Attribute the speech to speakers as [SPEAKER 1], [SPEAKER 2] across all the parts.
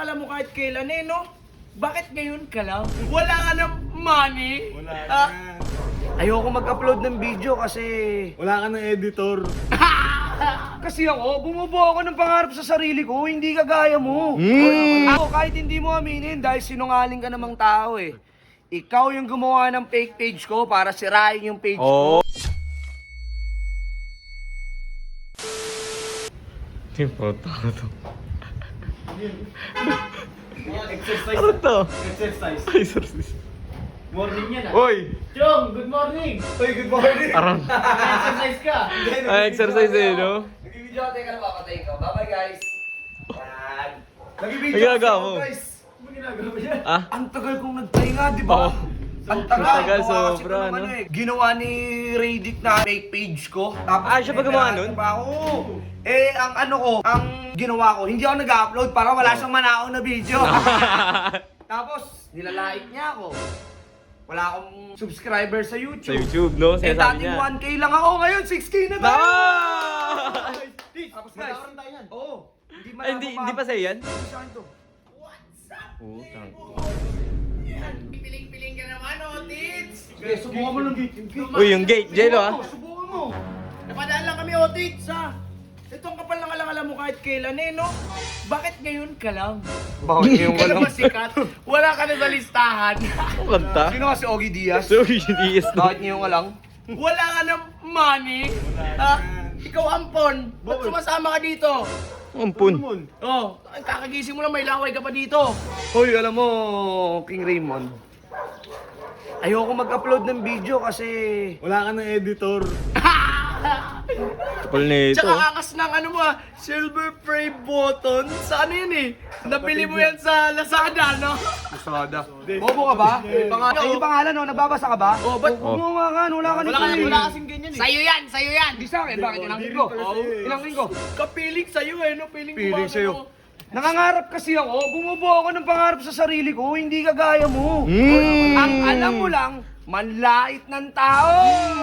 [SPEAKER 1] alam mo kahit kailan no? Bakit ngayon ka lang? Wala ka ng money?
[SPEAKER 2] Wala na.
[SPEAKER 3] Ayoko mag-upload ng video kasi...
[SPEAKER 2] Wala ka ng editor.
[SPEAKER 3] Kasi ako, bumubuo ako ng pangarap sa sarili ko, hindi kagaya mo. Ako, kahit hindi mo aminin dahil sinungaling ka namang tao eh. Ikaw yung gumawa ng fake page ko para sirain yung page ko.
[SPEAKER 4] Importante.
[SPEAKER 2] Exercise.
[SPEAKER 4] Ano to?
[SPEAKER 2] Exercise.
[SPEAKER 4] Exercise.
[SPEAKER 1] Morning yan
[SPEAKER 4] Oy!
[SPEAKER 1] Chong, good morning!
[SPEAKER 2] Uy, good morning.
[SPEAKER 4] Arang.
[SPEAKER 1] Exercise ka!
[SPEAKER 4] Exercise eh, no?
[SPEAKER 3] Nag-video ako, teka na papatay ko. Bye-bye guys. Yan.
[SPEAKER 2] Nag-video
[SPEAKER 4] Ang ginagawa
[SPEAKER 2] ako,
[SPEAKER 4] mo?
[SPEAKER 2] guys.
[SPEAKER 1] Ano ginagawa mo yan?
[SPEAKER 4] Ah?
[SPEAKER 3] Ang tagal kong nagpahinga, di ba?
[SPEAKER 4] Oo.
[SPEAKER 3] Ang tagal.
[SPEAKER 4] Tagal,
[SPEAKER 3] Gawa kasi
[SPEAKER 4] sobra,
[SPEAKER 3] ko ng
[SPEAKER 4] no?
[SPEAKER 3] Ginawa ni Radic na fake page ko. Tapos,
[SPEAKER 4] Siya ba gumawa nun?
[SPEAKER 3] Oo. Eh, ang ano ko, ang ginawa ko, hindi ako nag-upload para wala siyang manaon na video. Tapos, nilalait niya ako. Wala akong subscriber sa
[SPEAKER 4] Sa
[SPEAKER 3] YouTube.
[SPEAKER 4] YouTube, no?
[SPEAKER 3] Eh,
[SPEAKER 4] Sinasabi
[SPEAKER 3] dating
[SPEAKER 4] niya.
[SPEAKER 3] 1K lang ako, ngayon 6K na tayo!
[SPEAKER 4] Nice!
[SPEAKER 3] Tapos guys, oo.
[SPEAKER 4] Ay, hindi pa sa'yo yan?
[SPEAKER 3] Hindi sa akin to.
[SPEAKER 4] Putang.
[SPEAKER 1] Piling-piling ka naman, Otits!
[SPEAKER 3] Sige, subukan mo ng gate.
[SPEAKER 4] Uy, yung gate, Jello ah.
[SPEAKER 3] Subukan mo.
[SPEAKER 1] Napadaan lang kami, Otits, ha? Itong kapal ng alam mo kahit kailan no? Bakit ngayon ka lang?
[SPEAKER 3] Bakit yung
[SPEAKER 1] Hindi ka na ba sikat? Wala ka na sa listahan.
[SPEAKER 4] Ang kanta?
[SPEAKER 3] Sino kasi Ogie Diaz?
[SPEAKER 4] So, yes.
[SPEAKER 3] Bakit ngayon ka lang?
[SPEAKER 1] Wala ka ng money. Ha? Ikaw ampon. Ba't sumasama ka dito?
[SPEAKER 4] Ampun.
[SPEAKER 1] Oh, kakagising mo lang may laway ka pa dito.
[SPEAKER 3] Hoy, alam mo, King Raymond. Ayoko mag-upload ng video kasi...
[SPEAKER 2] Wala ka ng editor.
[SPEAKER 4] Kapal na ito.
[SPEAKER 1] Tsaka akas ng ano mo silver frame button. Sa ano yun eh? Nabili mo yan sa Lazada, no?
[SPEAKER 3] Masada. Bobo ka ba? Yung pangalan, no? Nagbabasa ka ba?
[SPEAKER 1] Oh, ba't
[SPEAKER 3] Huwag mo nga wala ka nito eh.
[SPEAKER 1] wala kasing ganyan eh. Sa'yo yan, sa'yo yan.
[SPEAKER 3] Hindi sa akin, bakit? Ilang linggo? Ilang linggo?
[SPEAKER 1] Kapiling sa'yo eh, no? Piling mo
[SPEAKER 3] Piling
[SPEAKER 1] ba,
[SPEAKER 3] sa'yo.
[SPEAKER 1] ano?
[SPEAKER 3] Nangangarap kasi ako, bumubuo ako ng pangarap sa sarili ko, hindi kagaya mo. Ang alam mo lang, manlait ng tao.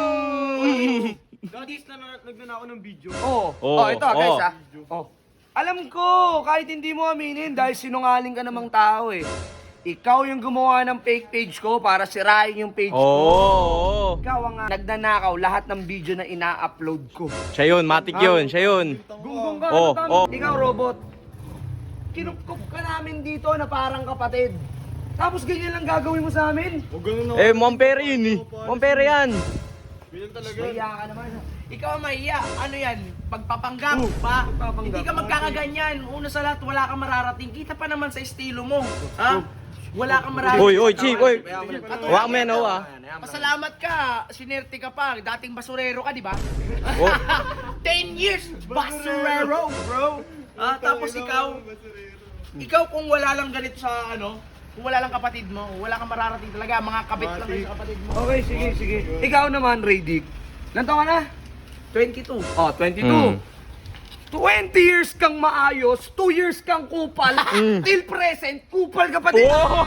[SPEAKER 2] Guys, nagnanakaw ng video.
[SPEAKER 3] Oh,
[SPEAKER 4] Oh,
[SPEAKER 3] ito guys
[SPEAKER 4] oh.
[SPEAKER 3] ah. Oh. Alam ko, kahit hindi mo aminin dahil sinungaling ka namang tao eh. Ikaw yung gumawa ng fake page ko para sirain yung page ko.
[SPEAKER 4] Oo.
[SPEAKER 3] Ikaw ang nagnanakaw lahat ng video na ina-upload ko.
[SPEAKER 4] Siya yun, matik yun, siya yun.
[SPEAKER 3] Gunggong ka,
[SPEAKER 4] Oh,
[SPEAKER 3] ano
[SPEAKER 4] oh.
[SPEAKER 3] Ikaw, robot. Kinupkup ka namin dito na parang kapatid. Tapos ganyan lang gagawin mo sa amin?
[SPEAKER 2] Huwag ganun
[SPEAKER 4] Eh, Mompere yun eh. Mompere yan.
[SPEAKER 2] Ganyan talaga.
[SPEAKER 3] Mahiya ka naman.
[SPEAKER 1] Ikaw ang mahiya. Ano yan? Pagpapanggap pa.
[SPEAKER 3] pagpapanggap.
[SPEAKER 1] Hindi ka magkakaganyan. Una sa lahat, wala kang mararating. Kita pa naman sa estilo mo. Ha? Wala kang mararating.
[SPEAKER 4] Oy, chief, oy. Huwag mo yan, ah.
[SPEAKER 1] Pasalamat ka. Sinerte ka pa. Dating basurero ka, di ba?
[SPEAKER 4] Oh.
[SPEAKER 1] 10 years basurero, bro. Tapos ikaw kung wala lang ganito sa ano, kung wala lang kapatid mo, wala kang mararating talaga. Mga kabit lang kayo sa kapatid mo.
[SPEAKER 3] Okay, sige. Ikaw naman, Radic. Ilan taon ka na?
[SPEAKER 1] 22.
[SPEAKER 3] Oh, 22.
[SPEAKER 4] Mm.
[SPEAKER 3] 20 years kang maayos, 2 years kang kupal, till present, kupal ka pa din.
[SPEAKER 4] Oh.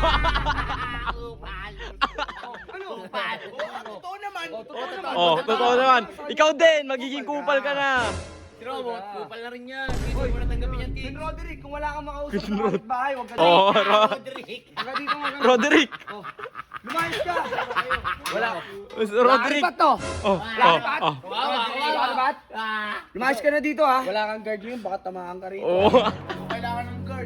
[SPEAKER 3] Ano?
[SPEAKER 1] Totoo naman.
[SPEAKER 4] Oh, totoo naman. Ikaw din, magiging kupal ka na.
[SPEAKER 1] Robot, kupal na rin yan. Hindi mo natanggapin yan,
[SPEAKER 3] Ben Roderick, kung wala kang makausap
[SPEAKER 4] Ben
[SPEAKER 3] sa bahay, huwag ka dito.
[SPEAKER 4] Oh,
[SPEAKER 1] Roderick.
[SPEAKER 3] Huwag ka dito, huwag ka.
[SPEAKER 4] Roderick.
[SPEAKER 3] Oh. Lumayas ka. Wala.
[SPEAKER 4] Roderick.
[SPEAKER 3] Laripat to.
[SPEAKER 4] Oh,
[SPEAKER 3] Laripat.
[SPEAKER 4] oh,
[SPEAKER 3] Laripat. Lumayas ka na dito ha. Wala kang guard yun, baka tamaan ka rito.
[SPEAKER 4] oh.
[SPEAKER 1] Kailangan ng guard.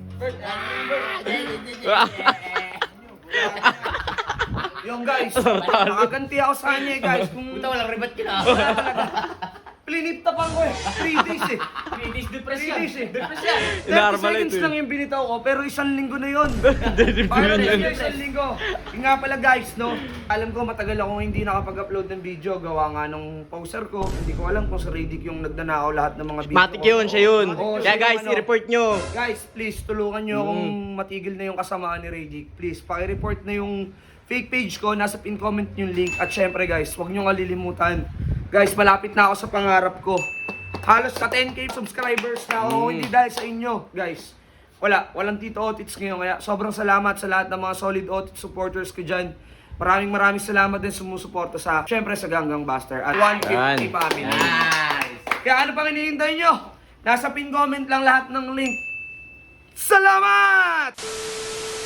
[SPEAKER 3] Yung guys, makaganti ako sa kanya guys. Kung
[SPEAKER 1] Walang ribat ka na.
[SPEAKER 3] wala talaga. Pliniptapan ko eh. 3 days eh.
[SPEAKER 1] 3 days
[SPEAKER 3] 3
[SPEAKER 1] depression.
[SPEAKER 3] days eh.
[SPEAKER 1] Depression.
[SPEAKER 3] 30
[SPEAKER 4] Normal
[SPEAKER 3] seconds
[SPEAKER 4] ito eh.
[SPEAKER 3] lang yung binitaw ko, pero 1 linggo na yun.
[SPEAKER 4] Hindi
[SPEAKER 3] Para
[SPEAKER 4] yan.
[SPEAKER 3] na isang linggo. Yung nga pala guys, no? Alam ko matagal akong hindi nakapag-upload ng video. Gawa nga nung poster ko. Hindi ko alam kung sa Radic yung nagnanakaw lahat ng mga video.
[SPEAKER 4] Matik yun, siya yun.
[SPEAKER 3] Oo,
[SPEAKER 4] Kaya
[SPEAKER 3] siya
[SPEAKER 4] guys,
[SPEAKER 3] yung ano.
[SPEAKER 4] i-report nyo.
[SPEAKER 3] Guys, please, tulungan nyo akong matigil na yung kasamaan ni Radic. Please, paki-report na yung fake page ko. Nasa pin comment yung link. At syempre guys, huwag nyo kalilimutan. Guys, malapit na ako sa pangarap ko. Halos sa 10k subscribers na ako, hindi dahil sa inyo, guys. Walang Tito Otits ngayon. Kaya sobrang salamat sa lahat ng mga solid Otits supporters ko dyan. Maraming salamat din sumusuporta sa, syempre sa Ganggang Buster at 150 family. Kaya ano pang hinihintay nyo? Nasa pin comment lang lahat ng link. Salamat!